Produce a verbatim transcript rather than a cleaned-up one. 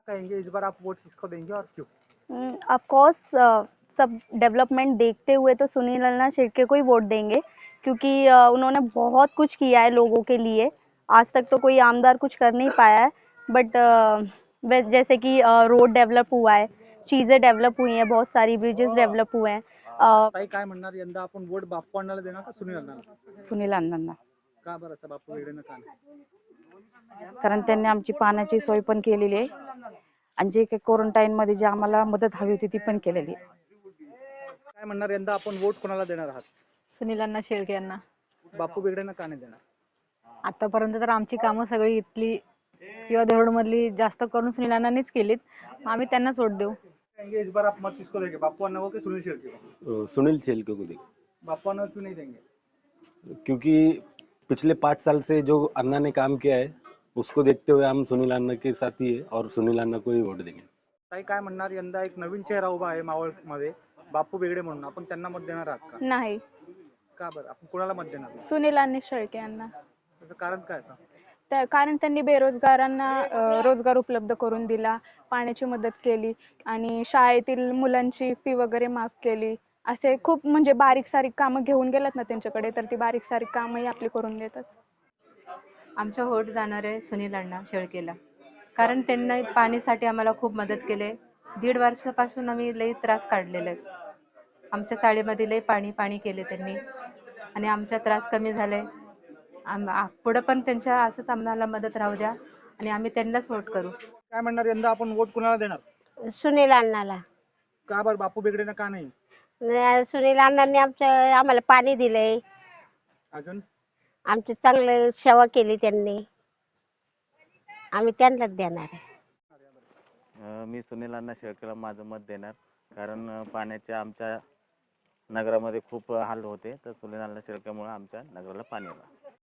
कहेंगे इस बार आप वोट किसको देंगे और क्यों? ऑफ कोर्स सब डेवलपमेंट देखते हुए तो सुनील अन्ना शेट्ये को ही वोट देंगे, क्योंकि uh, उन्होंने बहुत कुछ किया है लोगों के लिए। आज तक तो कोई आमदार कुछ कर नहीं पाया है, बट uh, जैसे कि रोड डेवलप हुआ है, चीज़ें डेवलप हुई हैं, बहुत सारी ब्रिजेस डेवलप हुए हैं। uh, ताई काय म्हणणार यंदा आपण वोट बाप्पू अण्णाला देणार का सुनील अण्णाला? सुनील अण्णांना, का बरं असं बाप्पू वेगळेनं का नाही? कारण त्यांनी आमची पाण्याची सोय पण केलेली आहे आणि जे काही क्वारंटाईन मध्ये जे आम्हाला मदत हवी होती ती पण केलेली आहे. काय म्हणणार यंदा आपण वोट कोणाला देणार आहात? सुनील अण्णा शेळके यांना. बाप्पू वेगळेनं का नाही देणार? आतापर्यंत तर आमची कामं सगळी इथली किंवा देवडमधली जास्त करून सुनील अण्णांनीच केलीत. आम्ही त्यांनाच वोट देऊ. कहेंगे इस बार आप मत किसको देंगे, बाप्पू अन्ना को कि सुनील शेट्टी को? सुनील शेल्के को देंगे, बाप्पू अन्ना को क्यों नहीं देंगे? क्योंकि पिछले पाँच साल से जो अन्ना ने काम किया है उसको देखते हुए हम सुनील अन्ना के साथ ही है और सुनील अन्ना को ही वोट देंगे. ताई काय म्हणणार यंदा एक नवीन चेहरा उभा आहे मावळ मध्ये, बाप्पू वेगळे म्हणून, आपण त्यांना मत देणार आहात का? नाही, का बरं आपण कोणाला मत देणार? सुनील अण्णा शेळके यांना. त्याचं कारण काय आता? त्या कारण त्यांनी बेरोजगारांना अ, रोजगार उपलब्ध करून दिला, पाण्याची मदत केली आणि शाळेतील मुलांची फी वगैरे माफ केली. असे खूप म्हणजे बारीक सारीक कामं घेऊन गेलात ना त्यांच्याकडे, तर ती बारीक सारीक कामंही आपली करून देतात. आमचा वोट जाणार आहे सुनील अण्णा शेळकेला, कारण त्यांनी पाणीसाठी आम्हाला खूप मदत केली. दीड वर्षापासून आम्ही लई त्रास काढलेला आहे. आमच्या चाळीमध्ये लई पाणी पाणी केले त्यांनी आणि आमचा त्रास कमी झालाय. आम पुढं पण त्यांच्या असंच आम्हाला मदत राहू द्या आणि आम्ही त्यांनाच वोट करू. काय म्हणणार यंदा आपण वोट कोणाला देणार? सुनील अण्णाला. का बरं बाप्पू वेगळेनं का नाही? न- सुनील अण्णांनी आमचं आम्हाला पाणी दिलंय, अजून आमची चांगलं सेवा केली त्यांनी, आम्ही त्यांनाच देणार आहे. अ, मी सुनील अण्णा शेळकेला माझं मत देणार, कारण अ, पाण्याच्या आमच्या नगरामध्ये खूप हाल होते, तर सुनील अण्णा शेळकेमुळे आमच्या नगराला पाणी येणार.